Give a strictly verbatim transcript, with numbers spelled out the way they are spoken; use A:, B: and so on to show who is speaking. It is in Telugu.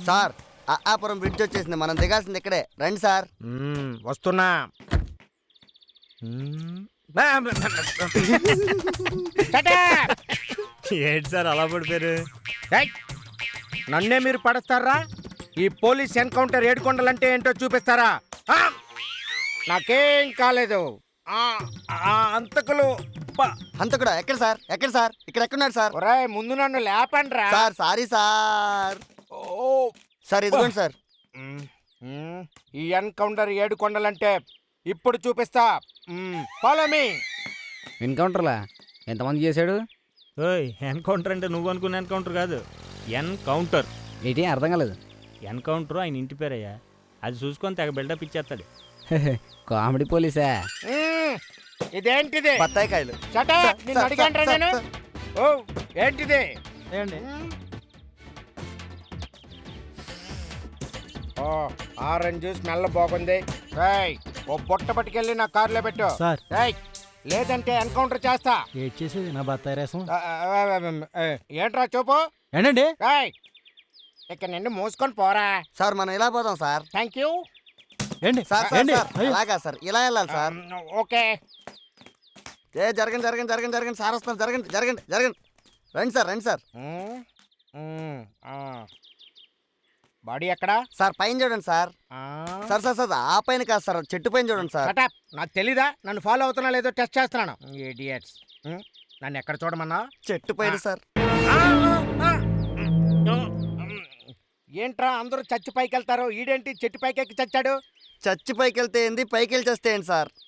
A: సార్ అప్పాపురం బ్రిడ్జ్ వచ్చేసింది, మనం దిగాల్సింది ఇక్కడే, రండి సార్.
B: మ్మ్, వస్తున్నా. మ్మ్. Shut up!
C: ఏంటి సార్ అలా పడిపోయారు?
B: ఏయ్! నన్నే మీరు పడస్తారా? ఈ పోలీస్ ఎన్కౌంటర్ ఏడుకొండలంటే ఏంటో చూపిస్తారా? ఆ! నాకేం కాలేదు. ఆ, ఆ అంతకులు బ-
A: హంతకుడా ఎక్కడ సార్, ఎక్కడ సార్, ఇక్కడ ఎక్కడున్నాడు సార్?
B: ఒరేయ్, ముందు నన్ను లేపండ్రా.
A: Sir sorry sir.
B: ఓ
A: సార్ ఇదిగోండి సార్.
B: మ్మ్, మ్మ్. ఈ ఎన్కౌంటర్ ఏడుకొండలంటే ఇప్పుడు చూపిస్తా. Follow me.
D: ఎన్కౌంటర్లా ఎంతమంది చేశాడు?
C: ఓయ్ ఎన్కౌంటర్ అంటే నువ్వు అనుకున్న ఎన్కౌంటర్ కాదు, ఎన్కౌంటర్.
D: ఏంటి అర్థం కాలేదు.
C: ఎన్కౌంటర్ ఆయన ఇంటి పేరయ్యా, అది చూసుకొని తెగ బిల్డప్ ఇచ్చేస్తాడు.
D: కామెడీ పోలీసా?
B: మ్మ్. ఇదేంటిది?
A: బత్తాయి కాయలు.
B: చటా
A: సార్,
B: నిన్ను
A: సార్,
B: అడిగాంట్రా
A: సార్,
B: నేను.
A: సార్.
B: ఓ ఏంటిది? మ్మ్. ఓ ఆరెంజ్ స్మెల్ బాగుంది. ఏయ్, ఓ బొట్ట పట్టుకెళ్ళి నా కారులో పెట్టు.
E: సార్.
B: ఏయ్, లేదంటే ఎన్కౌంటర్ చేస్తా.
E: ఏడ్ చేసేది నా బత్తాయి రసం.
B: ఆ, ఆ, ఆ, ఆ, ఏంట్రా చూపు.
E: ఏంటండి?
B: ఏయ్, ఇక్కడ నిన్ను మూసుకొని పోరా.
A: సార్ మనం ఇలా పోదాం సార్.
B: Thank you.
E: ఏంటి?
A: సార్ సార్
E: ఏంటి?
A: సార్
E: అయ్యో.
A: అలాగా సార్, ఇలా వెళ్ళాలి సార్.
B: ఓకే.
A: ఏ జరగండి జరగండి జరగండి జరగండి సార్ వస్తాను, జరగండి జరగండి జరగండి, రండి సార్ రండి సార్.
B: మ్మ్. మ్మ్. ఆ. బాడీ ఎక్కడా?
A: సార్ పైన చూడండి సార్.
B: ఆ.
A: సార్ సార్ సార్ ఆ పైన కాదు సార్, చెట్టు పైన చూడండి సార్.
B: Shut up. నాకు తెలీదా నన్ను ఫాలో అవుతున్నా లేదో టెస్ట్ చేస్తున్నాను. ఇడియట్స్. నన్ను ఎక్కడ చూడమన్నా?
A: చెట్టు పైన సార్.
B: ఏంట్రా అందరూ చచ్చి పైకి వెళ్తారు, ఈడేంటి చెట్టు పైకి ఎక్కి చచ్చాడు?
A: చచ్చి పైకి వెళ్తే ఏంది, పైకి వెళ్ళి చేస్తే ఏంటి సార్?